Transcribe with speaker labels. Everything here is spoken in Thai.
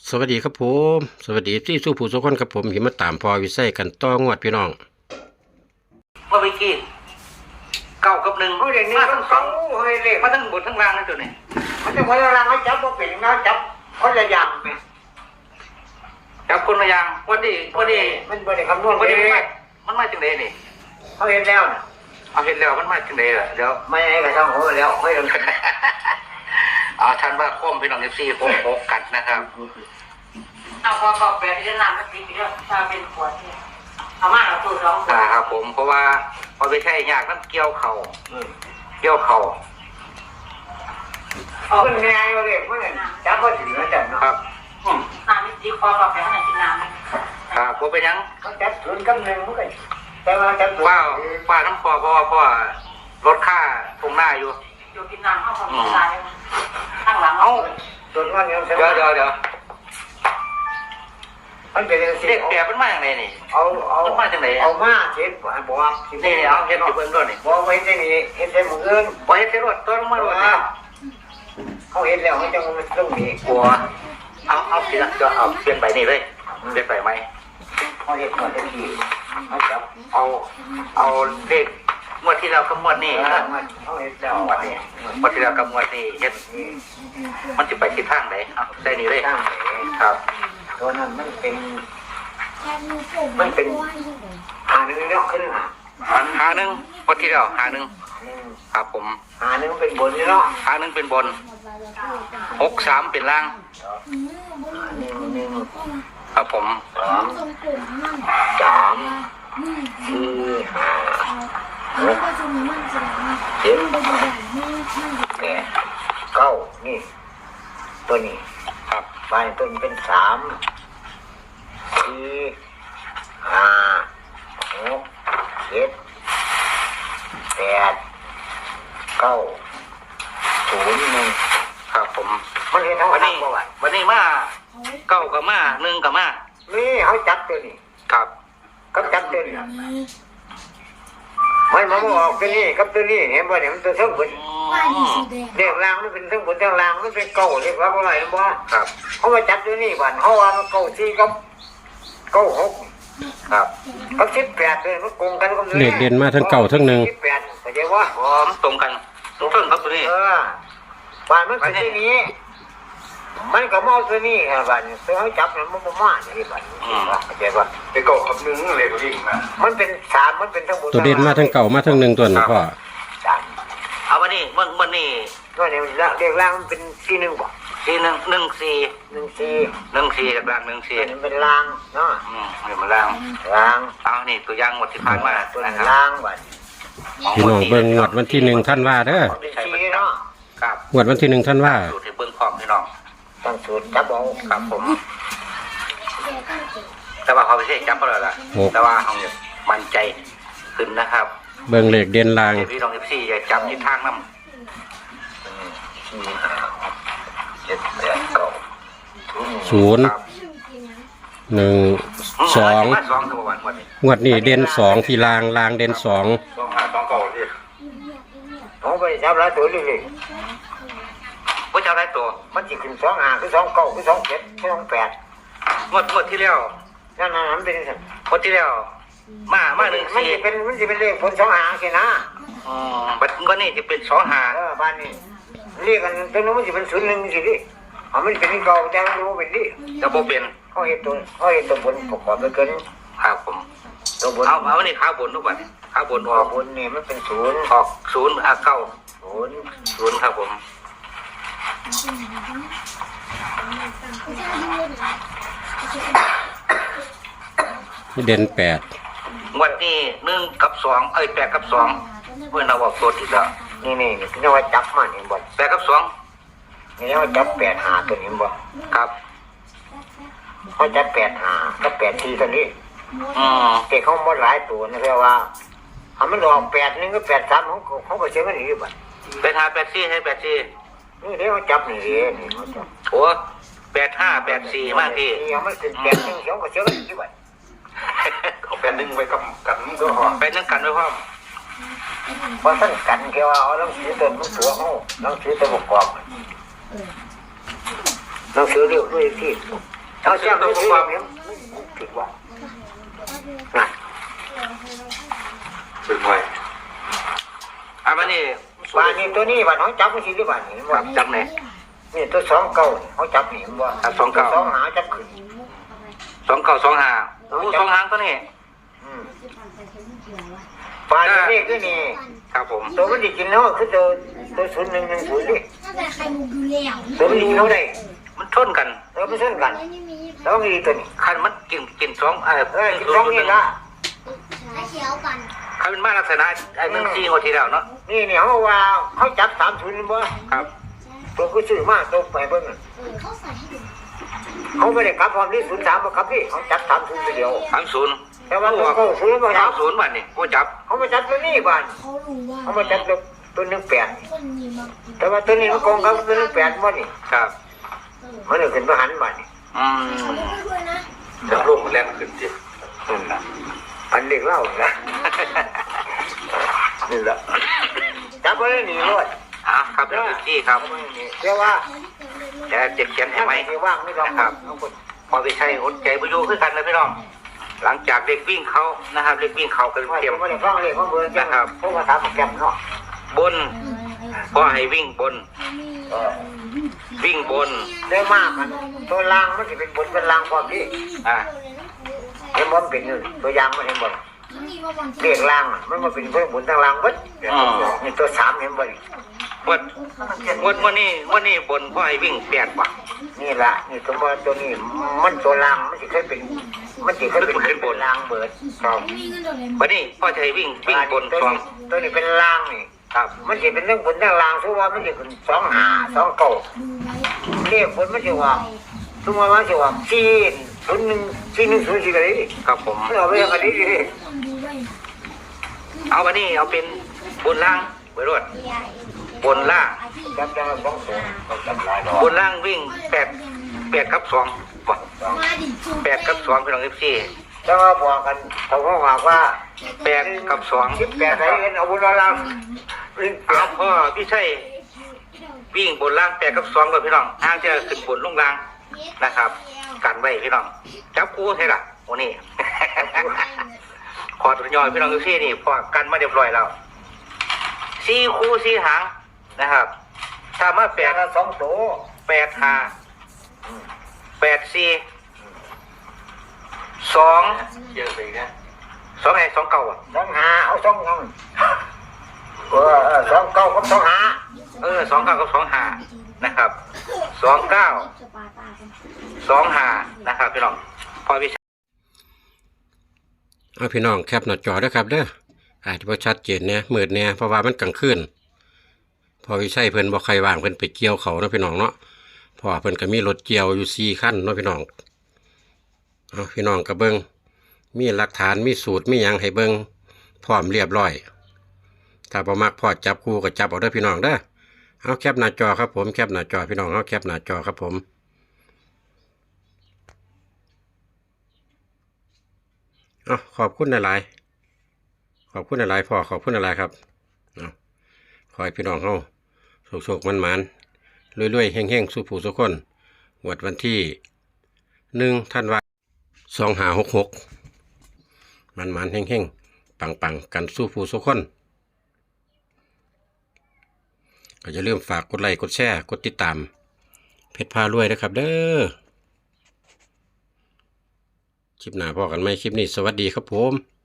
Speaker 1: สวัสดีครับผมสวัสดีที่สู้ผู้สุขคนครับผมหิมาตามพอวิไสกันต้องวดพี่น้อง
Speaker 2: เมื่อกี้เก้ากับหนึ่ง
Speaker 3: เขาเรียนนี่ต้องสองเฮ้ยเรียก
Speaker 2: มาทั้งบนทั้งล่างนั่นตัวนี้
Speaker 3: มันจะพยายามให้จับบ่เป็นนะจับเขาจะยำไหม
Speaker 2: จับคนละอย่างวันนี้
Speaker 3: มันบริคำนวณ
Speaker 2: วัน
Speaker 3: เอ
Speaker 2: นี้
Speaker 3: ง
Speaker 2: มันมาจังไดนี่
Speaker 3: เขาเห็นแล้วนะ
Speaker 2: เอาเห็นแล้วมันมาจังไดล่ะเดี๋ยว
Speaker 3: ไม่ให้กระช่างหัวแล้วไม่ต้อง
Speaker 2: เอาท่านว่าโค้มพี่น้อง14โค้งกันนะครับ
Speaker 4: เอาพอแปลที่จะนำมันติดไปแล้วถ้าเป็นขวดเนี่ยเอามาเอาตู้สองขวด
Speaker 2: ครับผมเพราะว่าพอไปใช้ยากมันเกี่ยวเข่า
Speaker 3: เอาขึ้นไงเราเรียกว่าจับก็ถึงแล้วจับเนาะ
Speaker 2: ครับ
Speaker 4: น้ำนี่ดีพอแปลข้างในกินน้ำไหม
Speaker 2: ครับผมเป็นยัง
Speaker 3: เขาจับศูนย์กับหนึ่งมันก็แต่ว่าจับศูนย์
Speaker 2: ว่าน้ำคอเพราะว่าลดค่าตรงหน้าอยู่
Speaker 4: อยู่กินน้ำเข้าของกินน้ำข้างหลัง
Speaker 2: เอ้า
Speaker 3: ส่วนว่าเนี่ย
Speaker 2: เดี๋ยว
Speaker 3: มันเป็นสิ่
Speaker 2: เด็
Speaker 3: ง
Speaker 2: กแปลมันมาอย่างไรนี่
Speaker 3: เอาเอามาเช็ดบอกว่า
Speaker 2: นี่เอาเห็ดอยู่เพิ่นด้วยนี่
Speaker 3: บอกไว้ที่นี่เห็นแต่มืออื่น
Speaker 2: พอเห็ดเสร็จรถตัวลงมาด้วยนี่
Speaker 3: เขาเห็นแล้วเขาจะมาตรงนี้
Speaker 2: กลัวเอาเปลี่ยนก็เอาเปลี่ยนไปนี่เลยเปลี่ยนไปไหม
Speaker 3: เขาเห็นก่อนจะขี่เขาจับ
Speaker 2: เอาเลขงวดที่เรากำหนดนี่
Speaker 3: เขาเห็นแล้ว
Speaker 2: งวดนี้งวดที่เรากำหนดนี่เฮ็ดมันจะไปทิศทางไหนเอาใส่นี่เลย
Speaker 3: ตั้ง
Speaker 2: ครับ
Speaker 3: ตัวนั้นมันเป็นหาหนึ่งเนาะขึ้น
Speaker 2: หาหนึ่งงวดที่เราหาหนึ่งครับผม
Speaker 3: หาหนึ่งเป็นบนเนาะ
Speaker 2: หาหนึ่งเป็นบน63เป็นล่าง
Speaker 3: หนึ่ง
Speaker 2: ครับผม
Speaker 3: สองสามสี่ห้าหกเจ็ดแปดเก้านี่ตัวนี้
Speaker 2: ครับ
Speaker 3: บ้านตัวนี้เป็นสามสี่ห้าหกเจ็ดแปดเก้าศูนย์หนึ่ง
Speaker 2: ครับผม
Speaker 3: มันเห็นทั้ง
Speaker 2: วัน
Speaker 3: ทั้
Speaker 2: นี้
Speaker 3: งบ่วะ
Speaker 2: วันนี้มาเก้ากับมาหนึ่งกับมา
Speaker 3: นี่เขาจับตัวนี้
Speaker 2: ครับ
Speaker 3: กับจับตัวนี้มันมาออกตัวนี้กับตัวนี้เห็นบ่เนี่ยมันตัวเท่าบนเรียกรางมันเป็นเท่าบนเท่ารางมันเป็นเก่าเรียกว่าอะไรบ่
Speaker 2: ครับ
Speaker 3: เขามาจับตัวนี้บ้านเขาว่ามันเก่าสี่กับเก่าหก
Speaker 2: ครับ
Speaker 3: กับ18เลยมันโกงกันกับ
Speaker 1: เลขเด่นมาทั้งเก่าทั้งหนึ่ง
Speaker 3: 18เข้าใจว่า
Speaker 2: พร้อมตรงกันตรงเพิ่งครับตัวนี้
Speaker 3: บ้านมันเป็นที่นี้มันก็มองตัวนี้ครับบ้านตัวเขาจับมันมันมาที่บ้านเข้าใจว่า
Speaker 5: ไปเกาะกับนึงเลยตัวยิ่งนะ
Speaker 3: มันเป็นสามมันเป็นทั้งบน
Speaker 1: ตัวเด่นมาทั้งเก่ามาทั้งหนึ่งตัวนี่พ่อ
Speaker 3: สาม
Speaker 2: เอาวันนี้วันนี้
Speaker 3: ตัวนี้เรียกร่างมันเป็นที่หนึ่งบ่
Speaker 2: สี่หนึ่งหนึ่งสี่
Speaker 3: หนึ่งสี่
Speaker 2: หนึ่งสี่กับรางหนึ่งสี่
Speaker 3: ตัวนี้เป็นรางเนาะ
Speaker 2: นี่มันราง
Speaker 3: ราง
Speaker 2: เอานี่ตัวอย่างหมดที่ผ่านมา
Speaker 3: ตัว
Speaker 2: นะ
Speaker 3: นี้
Speaker 2: ครับ
Speaker 3: รางบ้าน
Speaker 1: พี่น้องเบิ่งงวดวันที่1ท่านว่าเด้อ
Speaker 3: เป็นสี่เนาะ
Speaker 2: ครับ
Speaker 1: งวดวันที่1ท่านว่า
Speaker 2: สูตรที่เบิ้งพร้อมพี่น้อง
Speaker 3: ตั้งสูตรจับเอา
Speaker 2: ครับผม แต่ว่าเขาไม่ใช่จับก็เลยล่ะแต่ว่าเขาเนี่ยมั่นใจขึ้นนะครับ
Speaker 1: เบิ่งเลขเด่นลาง
Speaker 2: เดี๋ยวพี่น้อง14จะจับทิศทางน้
Speaker 3: สี่ห้าเจ็ดแปดเก้า
Speaker 1: 0
Speaker 2: ำครับ
Speaker 1: 1 2
Speaker 2: มาสองตัววันนี้
Speaker 1: งวดนี้เด่น2ที่ลางเด่น2
Speaker 5: ต้องหาต้องเก่าที่
Speaker 3: ผมไปจับหลายตัวเลย
Speaker 2: ว่าจะได้ตัว
Speaker 3: มันจะขึ้น2 5คือ2 9คือ2 7คือ2 8
Speaker 2: งวดที่แล้ว
Speaker 3: นั่นมันเป็นสั่น
Speaker 2: งวดที่แล้วมาหนึ่ง
Speaker 3: มัน
Speaker 2: สี่
Speaker 3: จะเป็นเลขผล2 5สินะ
Speaker 2: บัดก็นี่จะเป็น2-5
Speaker 3: บ้านนี้เรียกกันตรงนู้นมันจะเป็น0 1สิดิมันเป็นเก่าแต่มันรู้เป็นดิ
Speaker 2: จะโบเป็น
Speaker 3: เขาเห็นตัวบนประกอบไปเกิน
Speaker 2: ครับผม
Speaker 3: ตัวบน
Speaker 2: เอานี่ข้าวบนทุกวันข้าวบนอ
Speaker 3: ตัว
Speaker 2: อก
Speaker 3: บนนี่มันเป็น0
Speaker 2: ออก0 9
Speaker 3: 0
Speaker 2: 0ครับผม
Speaker 1: เด่น8
Speaker 2: งวดนี้1 กับ 28 กับ 2เพื่อนเราบอกตัวติดแล้ว
Speaker 3: นี่นี่ว่าจับมันเห็นบ่
Speaker 2: 8 กับ
Speaker 3: นี่ว่าจับ8 5ตัวนี้บ่
Speaker 2: 2ครับ
Speaker 3: เขาจับ8 5กับ8 4ตัวนี้ แต่เขาหมดหลายตัวนะเรียกว่ามันออก8 1ก็8 3เขาก็เชื่อกันอีกบ่
Speaker 2: 8 5 8 4ให้8 4
Speaker 3: นี่เดี๋ยวจับนี่นี่เขาจับ
Speaker 2: โอ้8 5 8 4มากที่
Speaker 3: นี่มันเป็น8 1เขาก็เชื่อกันอีกบ่
Speaker 5: เขาเป็นนึงไปกับกันก็หอ
Speaker 2: ไปนั่งกันด้วยพ่อม
Speaker 3: เพราะท่านกันแค่ว่าเอาหนังสือตัวมันตัวเขาหนังสือตัวประกอบหนังสือเรียกด้วยที่เอาเสียงตัวความเนี่ยถึงว่าน่ะ
Speaker 5: ฝึกมวย
Speaker 2: วันนี้
Speaker 3: บ้านนี้ตัวนี้บ้านเขาจับมันสิหรือบ้านนี้ว่า
Speaker 2: จับไหน
Speaker 3: นี่ตัวสองเก้าเขาจับนี่ว่า
Speaker 2: ครับสองเก้า
Speaker 3: สองหาจับขึ้น
Speaker 2: 2925โอ้สองหางตัวนี้
Speaker 3: บ้านนี้คือนี่
Speaker 2: ครับผม
Speaker 3: ตัวมันดิกินเนาะคือตัว0110ดิ
Speaker 6: ถ้าแต่ไข่มุกอยู่แล้ว
Speaker 3: ตัวมันดิกินเท่าไหร่
Speaker 2: มันชนกัน
Speaker 3: เราไปเส้นกัน
Speaker 6: ไม่มี
Speaker 3: แล้วมีตัวนี้
Speaker 2: คันมันกินสอง
Speaker 3: กินสองนี่ละ
Speaker 6: ถ้าเขียวกัน
Speaker 2: คันเป็นมาลักษณะ14งวดที่แล้วเนาะ
Speaker 3: นี่เขาว่าเขาจับ30บ่
Speaker 2: ครับ
Speaker 3: ตัวก็ซื้อมาตัวไปเบิ่ง
Speaker 6: เขาใส่ให้ดู
Speaker 3: เขาไม่ได้กลับความที่03บ่ครับพี่เขาจับ30ไปเดียว
Speaker 2: 30
Speaker 3: แต่ว่าตัวเขาซื้อบ่จับ
Speaker 2: 30บัดนี้บ่จับ
Speaker 3: เขามาจับตัวนี้บ้าน
Speaker 6: เขารู้ว่า
Speaker 3: เขามาจับตัว18
Speaker 6: คนนี้มากิน
Speaker 3: แต่ว่าตัวนี้มันโกงกับตัว18บ่นี่
Speaker 2: ครับ
Speaker 3: มันเลยขึ้นมาหันบ้านนี่
Speaker 6: เขาไม่ด้วยนะ
Speaker 5: จะลงแรงขึ้นจิ
Speaker 3: อันเด็กเล่านะนี่แหละจับไว้นี่รถ
Speaker 2: ครับพี่ครับ
Speaker 3: เรียกว่า
Speaker 2: แต่เจ็บเขียนให้ไหม
Speaker 3: ที่ว่างไม่ต้อง
Speaker 2: นะครับ พอไปใช้อดใจประโยชน์ขึ้นกันนะพี่น้อง หลังจากเด็กวิ่งเขานะครับเด็กวิ่งเขากัน
Speaker 3: ว่า
Speaker 2: เทียม
Speaker 3: ไม่ได้ฟังเลยเขาเบื่อจังพวกภาษาแกมเนาะ
Speaker 2: บนพ่อให้วิ่งบน วิ่งบน
Speaker 3: ได้มากมันตัวล่างมันจะเป็นบนเป็นล่างความที่
Speaker 2: อ่า
Speaker 3: เห็นบนเป็นตัวยางมันเห็นบน
Speaker 6: นี่ว่าวันที่
Speaker 3: เรียกล่างมันมาเป็นเพื่อนบนทางล่างวัดนี่ตัว3เห็นบน
Speaker 2: วันนี้บนพ่อให้วิ่ง8ว่ะ
Speaker 3: นี่ละนี่ตัวนี้มันตัวล่างมันจะเคยเป็นบนล่างเบิดครับ
Speaker 6: มีเงินเดือนเลย
Speaker 2: วันนี้พ่อจะให้วิ่งบนสอง
Speaker 3: ตัวนี้เป็นล่างนี่
Speaker 2: ครับ
Speaker 3: มันจะเป็นเรื่องบนทางล่างทุกว่ามันจะเป็น2 5 2 9
Speaker 6: ดูไว้
Speaker 3: เรียกบนมันจะว่าทุกวันมันจะว่า4 1 4 เลย
Speaker 2: ครับผม
Speaker 3: เอาไปอย่างนี้ดิ
Speaker 6: ต้องดูไว้
Speaker 2: เอาวันนี้เอาเป็นบนล่างไปรวดบนล่าง
Speaker 3: จับจัง2 2จับหลายดอก
Speaker 2: บนล่างวิ่ง8กับ2ว่ะ
Speaker 6: มาดิจู
Speaker 2: 8กับ2พี่น้อง14
Speaker 3: ถ้าว่าบอกกันเขาก็บอกว่า
Speaker 2: 8กับ2
Speaker 3: 18ไหนเงินเอาบนล่างวิ่ง
Speaker 2: เอาพ่อพี่ชัยวิ่งบนล่าง8กับ2กับพี่น้องทางจะขึ้นบนลงล่างนะครับกันไว้พี่น้องจับคู่ใช่ล่ะวันนี้ ขอตัวยอยพี่น้อง14นี่พอกันมาเรียบร้อยแล้ว4คู่4หางนะครับถ้ามา
Speaker 3: แต่ละ2ตัว
Speaker 2: 8 5 8 4 2
Speaker 5: เยอะไปนะ
Speaker 2: 2ให้2เก่าอ่ะ
Speaker 3: 2 5เอา2งัง2 9กับ2 5
Speaker 2: 2เก้ากับ2 5นะครับ2 9
Speaker 6: จะปาตากัน
Speaker 2: 2 5นะครับพี่น้องพอพี่
Speaker 1: เอาพี่น้องแคปหน้าจอด้วยครับเด้ออาจจะบ่ชัดเจนเนี่ยมืดเนี่ยเพราะว่ามันกลางคืนพอวิชัยเพิ่นบ่ใครว่างเพิ่นไปเกี่ยวเขาเนาะพี่น้องเนาะเพราะว่าเพิ่นก็มีรถเกี่ยวอยู่4คันเนาะพี่น้องเอาพี่น้องก็เบิ่งมีหลักฐานมีสูตรมีหยังให้เบิ่งพร้อมเรียบร้อยถ้าบ่มักพอจับคู่ก็จับเอาเด้อพี่น้องเด้อเอาแคปหน้าจอครับผมแคปหน้าจอพี่น้องเอาแคปหน้าจอครับผมเอาขอบคุณหลายๆขอบคุณหลายๆพ่อขอบคุณหลายๆครับเอาขอให้พี่น้องเฮาโชคๆมันๆรวยๆเฮงๆสู้ผู้สุขคนงวดวันที่1ธันวาคม2566มันๆเฮงๆปังๆกันสู้ผู้สุขคนก็อย่าลืมฝากกดไลค์กดแชร์กดติดตามเพชรพารวยนะครับเด้อคลิปหน้าพอกันไหมคลิปนี้สวัสดีครับผม